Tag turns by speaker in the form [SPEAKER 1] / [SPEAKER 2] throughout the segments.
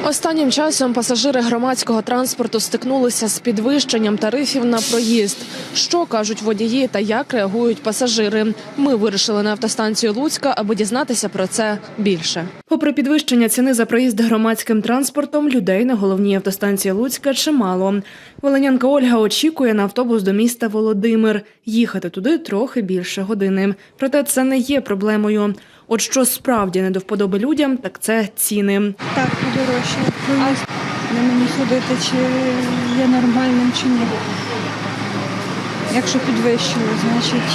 [SPEAKER 1] Останнім часом пасажири громадського транспорту стикнулися з підвищенням тарифів на проїзд. Що кажуть водії та як реагують пасажири? Ми вирішили на автостанцію Луцька, аби дізнатися про це більше. Попри підвищення ціни за проїзд громадським транспортом, людей на головній автостанції Луцька чимало. Волинянка Ольга очікує на автобус до міста Володимир. Їхати туди трохи більше години. Проте це не є проблемою. От що справді не до вподоби людям, так це ціни.
[SPEAKER 2] Так, подорожче. Проїзд на мені ходити, чи є нормальним, чи ні. Якщо підвищили, значить.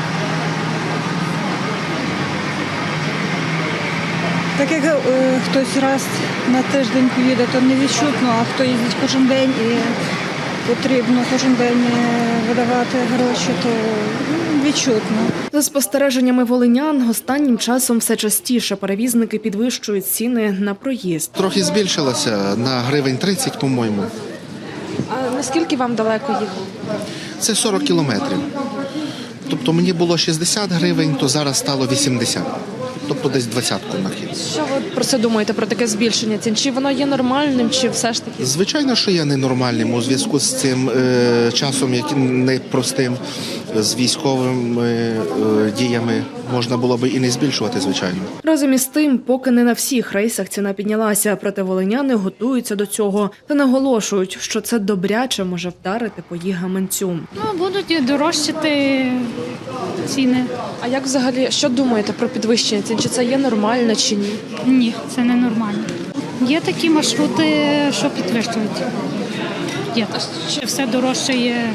[SPEAKER 2] Так як хтось раз на тиждень поїде, то не відчутно, а хто їздить кожен день і потрібно кожен день видавати гроші, то відчутно.
[SPEAKER 1] За спостереженнями волинян, останнім часом все частіше перевізники підвищують ціни на проїзд.
[SPEAKER 3] Трохи збільшилося на гривень 30, по-моєму.
[SPEAKER 1] А наскільки вам далеко їхати?
[SPEAKER 3] Це 40 кілометрів. Тобто мені було 60 гривень, то зараз стало 80. Тобто десь 20-ку на хід.
[SPEAKER 1] Що ви про це думаєте, про таке збільшення цін? Чи воно є нормальним, чи все ж таки?
[SPEAKER 3] Звичайно, що я ненормальним у зв'язку з цим часом, яким непростим, з військовими діями. Можна було б і не збільшувати, звичайно.
[SPEAKER 1] Разом із тим, поки не на всіх рейсах ціна піднялася, проте волиняни готуються до цього та наголошують, що це добряче може вдарити по їх гаманцю.
[SPEAKER 4] Будуть дорожчати ціни.
[SPEAKER 1] А як взагалі, що думаєте про підвищення цін? Чи це є нормально, чи ні?
[SPEAKER 4] Ні, це не нормально. Є такі маршрути, що підвищують. Є. Все дорожче є.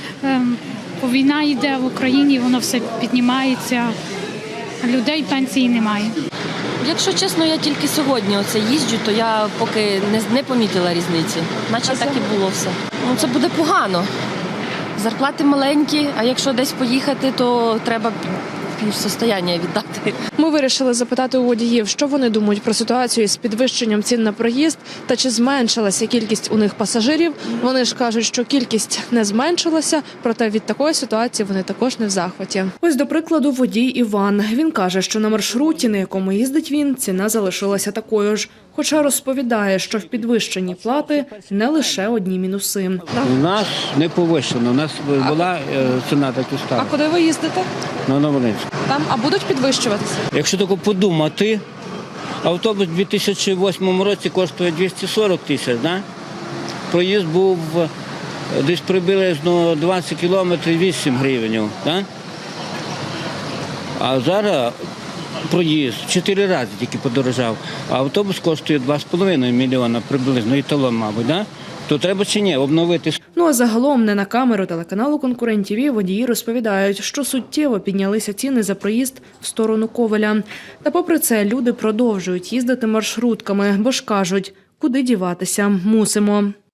[SPEAKER 4] Війна йде в Україні, воно все піднімається, а людей пенсії немає.
[SPEAKER 5] Якщо чесно, я тільки сьогодні їжджу, то я поки не помітила різниці. Наче так і було все. Це буде погано. Зарплати маленькі, а якщо десь поїхати, то треба півсостояння віддати.
[SPEAKER 1] Ми вирішили запитати у водіїв, що вони думають про ситуацію з підвищенням цін на проїзд та чи зменшилася кількість у них пасажирів. Вони ж кажуть, що кількість не зменшилася, проте від такої ситуації вони також не в захваті. Ось, до прикладу, водій Іван. Він каже, що на маршруті, на якому їздить він, ціна залишилася такою ж. Хоча розповідає, що в підвищенні плати не лише одні мінуси.
[SPEAKER 6] У нас не повищено, у нас була ціна так і стала.
[SPEAKER 1] А куди ви їздите?
[SPEAKER 6] На Новолинську.
[SPEAKER 1] Там, а будуть підвищуватися?
[SPEAKER 6] Якщо тако подумати, автобус у 2008 році коштує 240 тисяч, да? Проїзд був десь приблизно 20 кілометрів 8 гривень. Да? А зараз проїзд 4 рази тільки подорожав, а автобус коштує 2,5 мільйона приблизно, і талон, мабуть, да? То треба чи ні обновити?
[SPEAKER 1] Ну а загалом не на камеру телеканалу «Конкурент-ТВ» водії розповідають, що суттєво піднялися ціни за проїзд в сторону Ковеля. Та попри це люди продовжують їздити маршрутками, бо ж кажуть, куди діватися, мусимо.